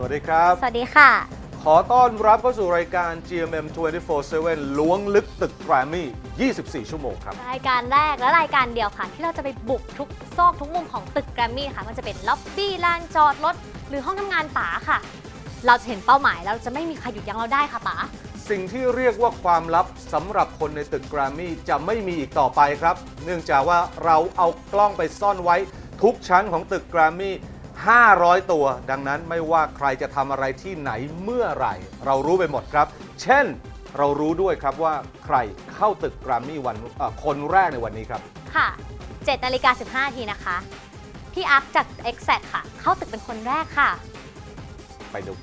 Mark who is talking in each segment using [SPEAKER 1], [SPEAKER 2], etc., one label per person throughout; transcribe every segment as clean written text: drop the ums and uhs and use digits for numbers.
[SPEAKER 1] วัสดีครับ
[SPEAKER 2] สวัสดีค่ะ
[SPEAKER 1] ขอต้อนรับเข้าสู่รายการ GMM 24/7 ล้วงลึกตึกแกรมมี่ 24 ชั่วโมงครับ
[SPEAKER 2] รายการแรกและรายการเดียวค่ะ ที่เราจะไปบุกทุกซอกทุกมุมของตึกแกรมมี่ค่ะมันจะเป็นล็อบบี้ลานจอดรถหรือห้องทำงานป๋าค่ะ เราจะเห็นเป้าหมายเราจะไม่มีใครหยุดยั้งเราได้ค่ะป๋า
[SPEAKER 1] สิ่งที่เรียกว่าความลับสำหรับคนในตึกแกรมมี่จะไม่มีอีกต่อไปครับ เนื่องจากว่าเราเอากล้องไปซ่อนไว้ทุกชั้นของตึกแกรมมี่500 ตัว ดังนั้นไม่ว่าใครจะทำอะไรที่ไหนเมื่อไหร่ เรารู้ไปหมดครับ เช่นเรารู้ด้วยครับว่าใครเข้าตึกแกรมมี่คนแรกในวันนี้ครับ
[SPEAKER 2] ค่ะ7:15 น.นะคะพี่อักจาก Exact ค่ะเข้าตึกเป็นคนแรกค่ะ
[SPEAKER 1] ไปดู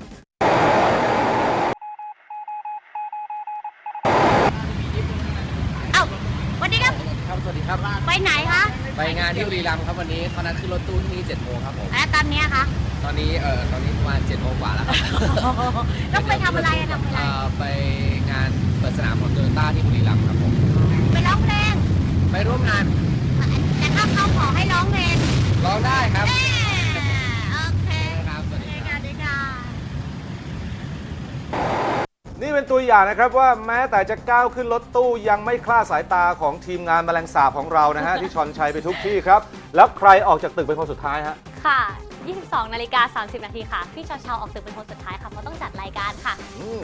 [SPEAKER 2] สวัสดีครับ
[SPEAKER 3] ครับสวัสดีครับ
[SPEAKER 2] ไปไหนคะ
[SPEAKER 3] ไปงานที่บุรีรัมย์ครับวันนี้เขานัดขึ้นรถตู้ที่7 โมงครับผม
[SPEAKER 2] และตอนนี้คะ
[SPEAKER 3] ตอนนี้ประมาณ7 โมงกว่าแล้วครับ
[SPEAKER 2] ต้องไปทำอะไรทำอะไร
[SPEAKER 3] ไปงานเปิดสนามของโตโยต้าที่บุรีรัมย์ครับผม
[SPEAKER 2] ไปร้องเพลง
[SPEAKER 3] ไปร่วมงาน
[SPEAKER 2] แต่ถ้าเขาขอให้ร้องเพลง
[SPEAKER 3] ร้องได้ครับ
[SPEAKER 2] โอเค
[SPEAKER 3] ครับสวัสดีครับ
[SPEAKER 1] นี่เป็นตัวอย่างนะครับว่าแม้แต่จะก้าวขึ้นรถตู้ยังไม่คลาดสายตาของทีมงานแมลงสาบของเรานะฮะ ที่ชอนชัยไปทุกที่ครับ แล้วใครออกจากตึกเป็นคนสุดท้ายฮะ
[SPEAKER 2] ค่ะ 22:30 น.ค่ะพี่เชาออกตึกเป็นคนสุดท้ายค่ะเพราะต้องจัดรายการค่ะ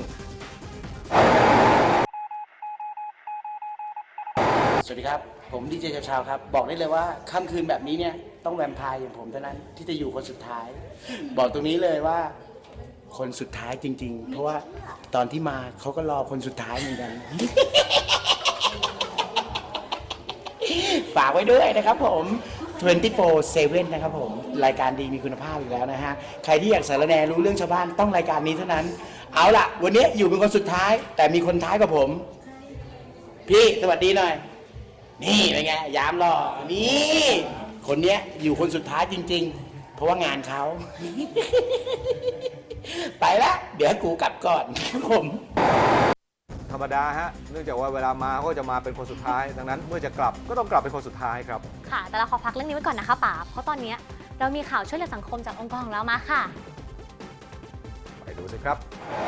[SPEAKER 4] สวัสดีครับผมดีเจชาวครับบอกได้เลยว่าค่ำคืนแบบนี้เนี่ยต้องแวมไพร์อย่างผมเท่านั้นที่จะอยู่คนสุดท้าย บอกตรงนี้เลยว่าคนสุดท้ายจริงๆเพราะว่าตอนที่มาเขาก็รอคนสุดท้ายเหมือนกัน ฝากไว้ด้วยนะครับผม24/7นะครับผมรายการดีมีคุณภาพอีกแล้วนะฮะใครที่อยากสารแนรู้เรื่องชาวบ้านต้องรายการนี้เท่านั้นเอาล่ะวันนี้อยู่เป็นคนสุดท้ายแต่มีคนท้ายกับผมพี่สวัสดีหน่อยนี่เป็นไงยามหล่อนี่คนเนี้ยอยู่คนสุดท้ายจริงๆเพราะว่างานเขา ไปละเดี๋ยวกูกลับก่อนครับผม
[SPEAKER 1] ธรรมดาฮะเนื่องจากว่าเวลามาก็จะมาเป็นคนสุดท้ายดังนั้นเมื่อจะกลับก็ต้องกลับเป็นคนสุดท้ายครับ
[SPEAKER 2] ค่ะแต่เราขอพักเรื่องนี้ไว้ก่อนนะคะป๋าเพราะตอนนี้เรามีข่าวช่วยเหลือสังคมจากองค์กรของเรามาค่ะ
[SPEAKER 1] ไปดูสิครับ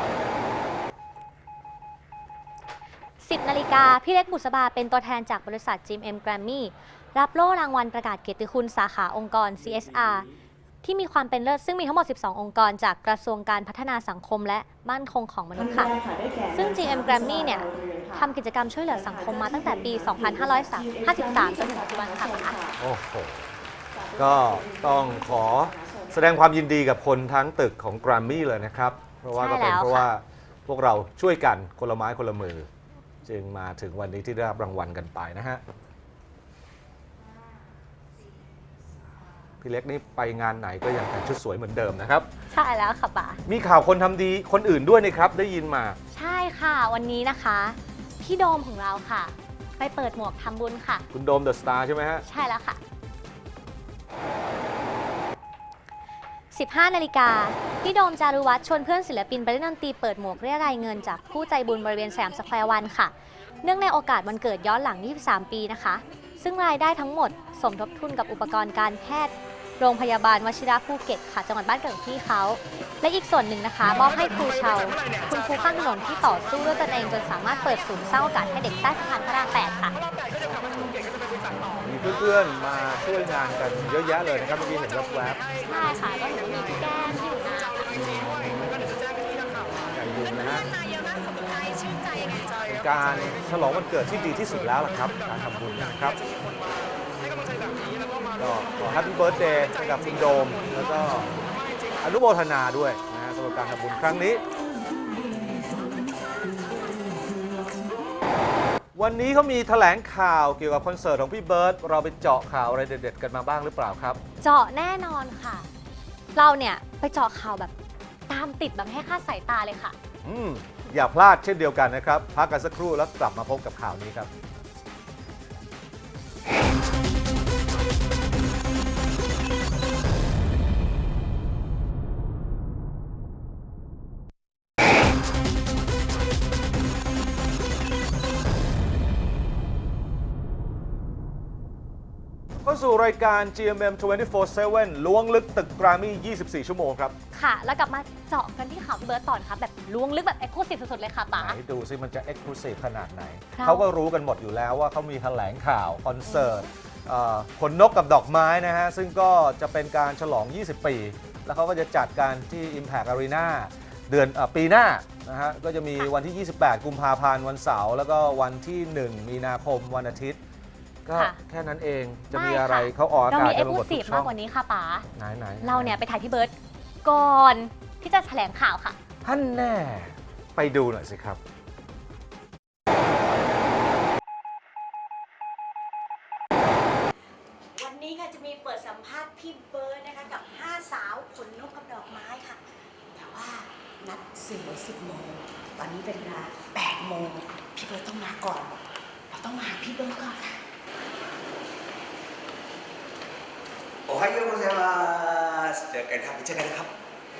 [SPEAKER 2] 10 นาฬิกาพี่เล็กบุษบาเป็นตัวแทนจากบริษัท GMM Grammy รับโล่รางวัลประกาศเกียรติคุณสาขาองค์กร CSR ที่มีความเป็นเลิศซึ่งมีทั้งหมด 12 องค์กรจากกระทรวงการพัฒนาสังคมและมั่นคงของมนุษย์ค่ะซึ่ง GM Grammy เนี่ยทำกิจกรรมช่วยเหลือสังคมมาตั้งแต่ปี 2553 จนถึงปัจจุบันค่ะ
[SPEAKER 1] โอ้โหก็ต้องขอแสดงความยินดีกับคนทั้งตึกของ Grammy เลยนะครับเพราะว่าก็เป็นเพราะว่าพวกเราช่วยกันคนละไม้คนละมือจึงมาถึงวันนี้ที่ได้รับรางวัลกันไปนะฮะพี่เล็กนี่ไปงานไหนก็ยังแต่งชุดสวยเหมือนเดิมนะครับ
[SPEAKER 2] ใช่แล้วค่ะป๋า
[SPEAKER 1] มีข่าวคนทำดีคนอื่นด้วยนะครับได้ยินมา
[SPEAKER 2] ใช่ค่ะวันนี้นะคะพี่โดมของเราค่ะไปเปิดหมวกทำบุญค่ะ
[SPEAKER 1] คุณโดมเดอะสตาร์ใช่ไหมฮะ
[SPEAKER 2] ใช่แล้วค่ะ15 นาฬิกาพี่โดมจารุวัฒน์ชวนเพื่อนศิลปินไปเล่นดนตรีเปิดหมวกเรียรายเงินจากผู้ใจบุญบริเวณสยามสแควร์วันค่ะเนื่องในโอกาสวันเกิดย้อนหลัง23 ปีนะคะซึ่งรายได้ทั้งหมดสมทบทุนกับอุปกรณ์การแพทย์โรงพยาบาลวชิระภูเก็ตค่ะจังหวัดบ้านเกิดของพี่เขาและอีกส่วนหนึ่งนะคะมอบให้ครูเชาคุณครูข้างถนนที่ต่อสู้ด้วยตนเองจนสามารถเปิดศูนย์สร้างโอกาสให้เด็กใต้สะพานพระราม 8 ค่ะ
[SPEAKER 1] มีเพื่อนๆมาช่วยงานกันเยอะแยะเลยนะครับเมื่อกี้เห็นแวบ
[SPEAKER 2] ๆใช่ค่ะก็เห็นว่ามีพี่แก้มที่อยู่นา
[SPEAKER 1] ใหญ่บุญนะฮะการฉลองวันเกิดที่ดีที่สุดแล้วล่ะครับการทำบุญนะครับก็ขอแฮปปี้เบิร์ธเดย์ให้กับคุณโดมแล้วก็อนุโมทนาด้วยนะฮะสำหรับการทำบุญครั้งนี้วันนี้เขามีแถลงข่าวเกี่ยวกับคอนเสิร์ตของพี่เบิร์ตเราไปเจาะข่าวอะไรเด็ดๆกันมาบ้างหรือเปล่าครับ
[SPEAKER 2] เจาะแน่นอนค่ะเราเนี่ยไปเจาะข่าวแบบตามติดแบบให้คาดสายตาเลยค่ะ
[SPEAKER 1] อย่าพลาดเช่นเดียวกันนะครับพักกันสักครู่แล้วกลับมาพบกับข่าวนี้ครับเข้าสู่รายการ GMM 24/7 ล้วงลึกตึกแกรมมี่ 24 ชั่วโมงครับ
[SPEAKER 2] ค่ะ แล้วกลับมาเจาะกันที่ข่าวพี่เบิร์ตต่อนะคะแบบล้วงลึกแบบเอ็กซ์คลูซีฟสุดๆเลยค่ะป๋า
[SPEAKER 1] ไหนดูซิมันจะ Exclusive ขนาดไหน
[SPEAKER 2] ครับ
[SPEAKER 1] เขาก็รู้กันหมดอยู่แล้วว่าเขามีแถลงข่าว คอนเสิร์ตขนนกกับดอกไม้นะฮะ ซึ่งก็จะเป็นการฉลอง 20 ปี แล้วเขาก็จะจัดการที่ Impact Arena เดือนปีหน้านะฮะ ก็จะมีวันที่ 28 กุมภาพันธ์วันเสาร์แล้วก็วันที่ 1 มีนาคมวันอาทิตย์ ก็
[SPEAKER 2] ค่ะ
[SPEAKER 1] แค่นั้นเองจะมี
[SPEAKER 2] ไม่
[SPEAKER 1] อะไร
[SPEAKER 2] ค่ะ
[SPEAKER 1] เขาออกอา
[SPEAKER 2] เรา
[SPEAKER 1] กาศ
[SPEAKER 2] มีเอ็
[SPEAKER 1] กั
[SPEAKER 2] ก
[SPEAKER 1] น
[SPEAKER 2] ซ์
[SPEAKER 1] ไป
[SPEAKER 2] ค
[SPEAKER 1] ห
[SPEAKER 2] ลู
[SPEAKER 1] มด
[SPEAKER 2] ซี
[SPEAKER 1] ทุ
[SPEAKER 2] ฟ
[SPEAKER 1] กช่
[SPEAKER 2] มา
[SPEAKER 1] อง
[SPEAKER 2] กกว่านี้ค่ะป๋า
[SPEAKER 1] ไหน
[SPEAKER 2] เราเนี่ยไปถ่ายพี่เบิร์ตก่อนที่จะแถลงข่าวค่ะ
[SPEAKER 1] ท่านแน่ไปดูหน่อยสิครับ
[SPEAKER 5] วันนี้ค่ะจะมีเปิดสัมภาษณ์พี่เบิร์ดนะคะกับ 5 สาวขนนกกับดอกไม้ค่ะ แต่ว่านัดสื่อไว้10 โมง ตอนนี้เป็นเวลา8 โมง พี่เบิร์ดต้องมาก่อน เราต้องมาหาพี่เบิร์ดก่อนค่ะ
[SPEAKER 6] โอไฮโอโกเซมาสเจอกันครับเจอกันนะครับ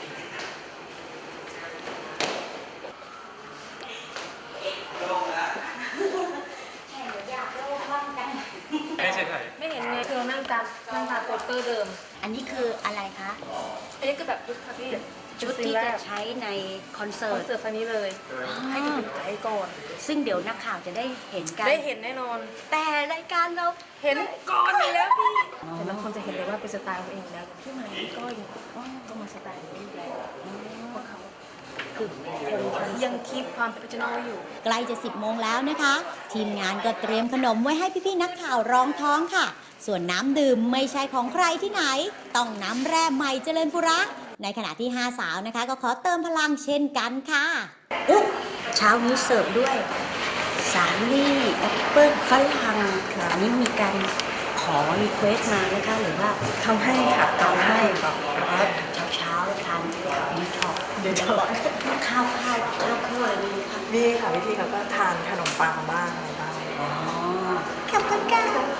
[SPEAKER 7] ไม่เห็นไงคือเรานั่งตามโปสเตอร์เดิม
[SPEAKER 5] อันนี้คืออะไรคะ
[SPEAKER 7] อันนี้คือแบบชุดค่ะพี่
[SPEAKER 5] ชุดที่จะใช้ในคอนเสิ
[SPEAKER 7] คอ
[SPEAKER 5] ร์
[SPEAKER 7] น
[SPEAKER 5] ต
[SPEAKER 7] เสิร์ตครั้งนี้เลย ให้ดูเป็นไกด์ก่อน
[SPEAKER 5] ซึ่งเดี๋ยวนักข่าวจะได้เห็นกัน
[SPEAKER 7] ได้เห็นแน่นอน
[SPEAKER 5] แต่รายการเรา
[SPEAKER 7] เห็นก่อนอยู่แล้วพี่แต่ละคนจะเห็นเลยว่าเป็นสไตล์ของตัวเองอยู่แล้วพี่ใหม่พี่ก้อยต้องมาสไตล์ของพี่อยู่แล้วเพราะเขาคือคงยังคีปความเป็นออริจินอลไว้อยู่
[SPEAKER 8] ใกล้จะ10 โมงแล้วนะคะ ทีมงานก็เตรียมขนมไว้ให้พี่ๆนักข่าวรองท้องค่ะ ส่วนน้ำดื่มไม่ใช่ของใครที่ไหน ต้องน้ำแร่ใหม่เจริญปุระ ในขณะที่ 5 สาวนะคะ ก็ขอเติมพลังเช่นกันค่ะ
[SPEAKER 5] เช้านี้เสิร์ฟด้วยสาลี่แอปเปิ้ลฝรั่งอันนี้มีการขอรีเควสมานะคะหรือว่า
[SPEAKER 7] ทำให้ค่ะทำให้ครับ
[SPEAKER 5] เช้าทานดีท็อกเดี๋ยวข้าวอะไรนี้ค่ะ
[SPEAKER 9] มีค่ะวิธีเขาก็ทานขนมปังบ้างอะไรบ้าง
[SPEAKER 5] อ๋อขอบคุณค่ะ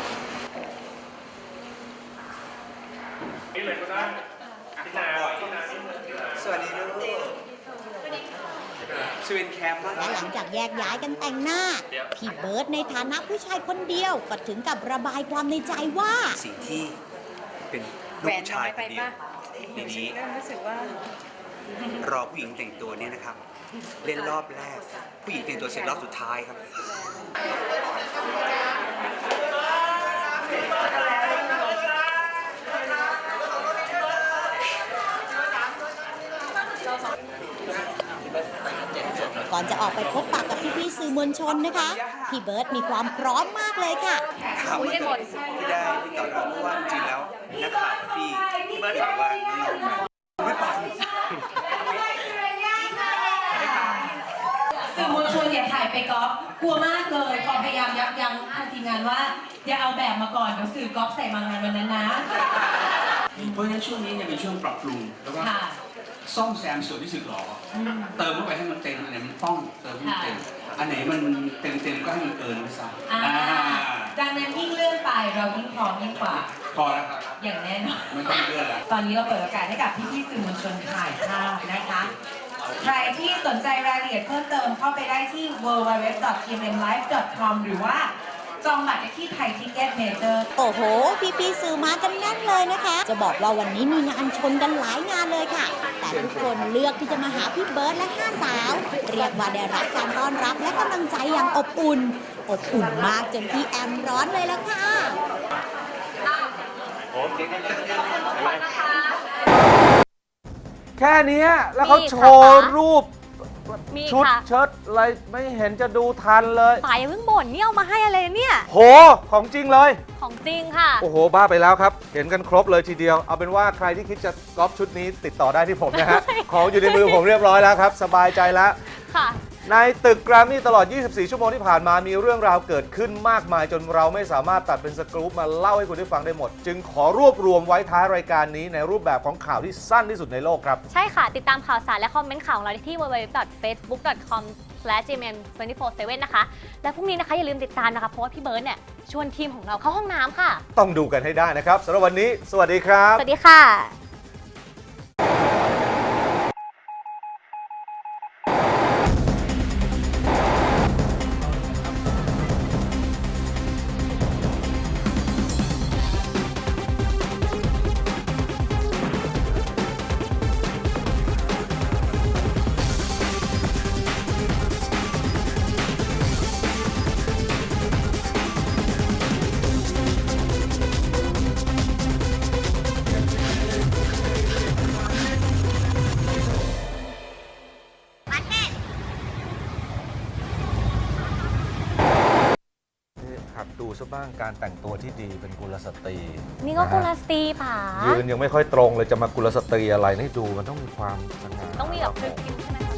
[SPEAKER 6] สวัสดีลูกสวินแคมป์
[SPEAKER 8] และหลังจากแยกย้ายกันแต่งหน้า พี่เบิร์ดในฐานะผู้ชายคนเดียวก็ถึงกับระบายความในใจว่า
[SPEAKER 6] สิ่งที่เป็นลูกผู้ชายคนเดียวในนี้
[SPEAKER 7] รู้สึกว่า
[SPEAKER 6] รอผู้หญิงแต่งตัวเนี่ยนะครับ เล่นรอบแรก ผู้หญิงแต่งตัวเสร็จรอบสุดท้ายครับ
[SPEAKER 8] ก่อนจะออกไปพบปะกับพี่ๆสื่อมวลชนนะคะ พี่เบิร์ดมีความพร้อมมากเลยค่ะ
[SPEAKER 6] ถามว่าที่ได้ที่ต่อเราเพราะว่าจริงๆแล้วนักข่าวกับพี่เบิร์ดบอกว่าน้องๆไม่ไป
[SPEAKER 10] สื่อมวลชนอย่าถ่ายไปก๊อฟกลัวมากเลยขอพยายามยับยั้งทางทีมงานว่า อย่าเอาแบบมาก่อนเดี๋ยวสื่อก๊อฟใส่มางานวันนั้นนะ
[SPEAKER 11] เพราะฉะนั้นช่วงนี้เนี่ยเป็นช่วงปรับปรุงแล้วก็
[SPEAKER 10] ค่ะ
[SPEAKER 11] ซ่อมแซมส่วนที่สึกหรอเติมเข้าไปให้มันเต็มอันไหนมันต้องเติมให้มันเต็มอันไหนมันเต็มก็ให้มันเกินไปซะ
[SPEAKER 10] อ่าดังนั้นยิ่งเลื่อนไปเรายิ่งพร้อมยิ่งกว่า
[SPEAKER 11] พอแล้วครับ
[SPEAKER 10] อย่างแน่นอน
[SPEAKER 11] ไม่ต้องเลื่อนแล้ว
[SPEAKER 10] ตอนนี้เราเปิดโอกาสให้กับพี่ๆสื่อมวลชนถ่ายภาพนะคะ ใครที่สนใจรายละเอียดเพิ่มเติมเข้าไปได้ที่ www.tmlive.com หรือว่าจองบัตรได้ที่ไทยทิเก็ตเมเจอร์
[SPEAKER 8] โอ้โห พี่ๆสื่อมากันแน่นเลยนะคะ จะบอกว่าวันนี้มีงานชนกันหลายงานเลยค่ะ แต่ทุกคนเลือกที่จะมาหาพี่เบิร์ดและ 5 สาว เรียกว่าได้รับการต้อนรับและกำลังใจอย่างอบอุ่น อบอุ่นมากจนพี่แอมร้อนเลยละค่ะ
[SPEAKER 1] แค่เนี้ยแล้วเขา
[SPEAKER 2] มี
[SPEAKER 1] โช
[SPEAKER 2] ค่ะ
[SPEAKER 1] ว์
[SPEAKER 2] ป๋า
[SPEAKER 1] รูป
[SPEAKER 2] มี
[SPEAKER 1] ชุด
[SPEAKER 2] ค่ะ
[SPEAKER 1] เชิ้ตอะไรไม่เห็นจะดูทันเลย
[SPEAKER 2] ป๋าอย่าเพิ่งบ่นนี่เอามาให้อะไรเนี่ย
[SPEAKER 1] โห ของจริงเลย
[SPEAKER 2] ของจริงค่ะ
[SPEAKER 1] โอ้โห บ้าไปแล้วครับ เห็นกันครบเลยทีเดียว เอาเป็นว่าใครที่คิดจะก๊อปชุดนี้ติดต่อได้ที่ผมนะฮะ ของอยู่ในมือผมเรียบร้อยแล้วครับ สบายใจแล้ว
[SPEAKER 2] ค่ะ
[SPEAKER 1] ในตึกแกรมมี่ตลอด 24 ชั่วโมงที่ผ่านมามีเรื่องราวเกิดขึ้นมากมายจนเราไม่สามารถตัดเป็นสกู๊ปมาเล่าให้คุณได้ฟังได้หมด จึงขอรวบรวมไว้ท้ายรายการนี้ในรูปแบบของข่าวที่สั้นที่สุดในโลกครับ
[SPEAKER 2] ใช่ค่ะ ติดตามข่าวสารและคอมเมนต์ข่าวของเราได้ที่ www.facebook.com/gmm247 นะคะ และพรุ่งนี้นะคะอย่าลืมติดตามนะคะ เพราะว่าพี่เบิร์ดเนี่ยชวนทีมของเราเข้าห้องน้ำค่ะ
[SPEAKER 1] ต้องดูกันให้ได้นะครับสำหรับวันนี้ สวัสดีครับ
[SPEAKER 2] สวัสดีค่ะ
[SPEAKER 1] หัดดูซะบ้างการแต่งตัวที่ดีเป็นกุลสตรี
[SPEAKER 2] นี่ก็กุลสตรีผา
[SPEAKER 1] ยืนยังไม่ค่อยตรงเลยจะมากุลสตรีอะไรนี่ดูมันต้องมีความสง่า
[SPEAKER 2] ต้องมีแบบพริ้วๆใช่ไหม